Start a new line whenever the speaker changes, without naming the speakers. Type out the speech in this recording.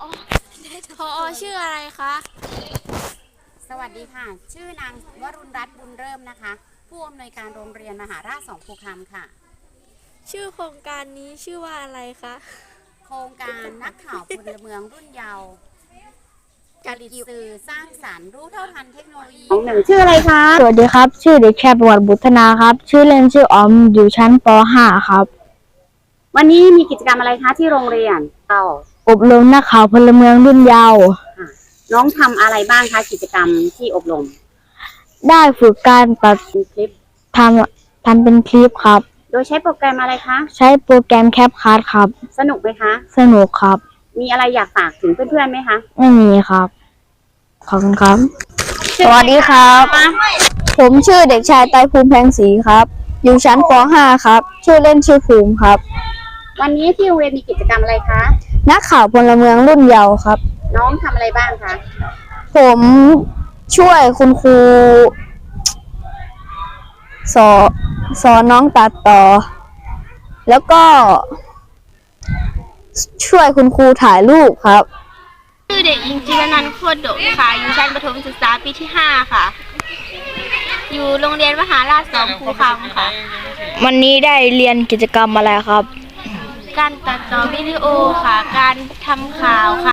พอชื่ออะไรคะ
สวัสดีค่ะชื่อนางวรุณรัตน์บุญเริ่มนะคะผู้อำนวยการโรงเรียนมหาราชสองภูคำค่ะ
ชื่อโครงการนี้ชื่อว่าอะไรคะ
โครงการนักข่าวพลเมืองรุ่นเยาว์ผลิตสื่อสร้างสรรค์รู้เท่าทันเทคโนโลยีหนึ่งชื่ออะไรคะ
สวัสดีครับชื่อเด็กชายประวัติบุฒนาครับชื่อเล่นชื่อออมอยู่ชั้นป .5 ครับ
วันนี้มีกิจกรรมอะไรคะที่โรงเรียน
อบรมนักข่าวพลเมืองรุ่นเยาว์
น้องทำอะไรบ้างคะกิจกรรมที่อบรม
ได้ฝึกการตัด
คลิป
ทำเป็นคลิปครับ
โดยใช้โปรแกรมอะไรคะ
ใช้โปรแกรมแคปคัทครับ
สนุกไหมคะ
สนุกครับ
มีอะไรอยากฝากถึงเพื่อนๆไหมคะ
ไม่มีครับขอบคุณครับสวัสดีครับผมชื่อเด็กชายไตรภูมิแพงศรีครับอยู่ชั้นป .5 ครับชื่อเล่นชื่อภูมิครับ
วันนี้ที่โรงเรียนมีกิจกรรมอะไรคะ
นักข่าวพลเมืองรุ่นเยาว์ครับ
น้องทำอะไรบ้างคะ
ผมช่วยคุณครูสอนน้องตัดต่อแล้วก็ช่วยคุณครูถ่ายรูปครับ
ชื่อเด็กหญิงจิรนันท์โคตรดกค่ะอยู่ชั้นประถมศึกษาปีที่ 5 ค่ะอยู่โรงเรียนมหาราชสองภูคำค่ะ
วันนี้ได้เรียนกิจกรรมอะไรครับ
การตัดต่อวิดีโอค่ะการทำข่าวค่ะ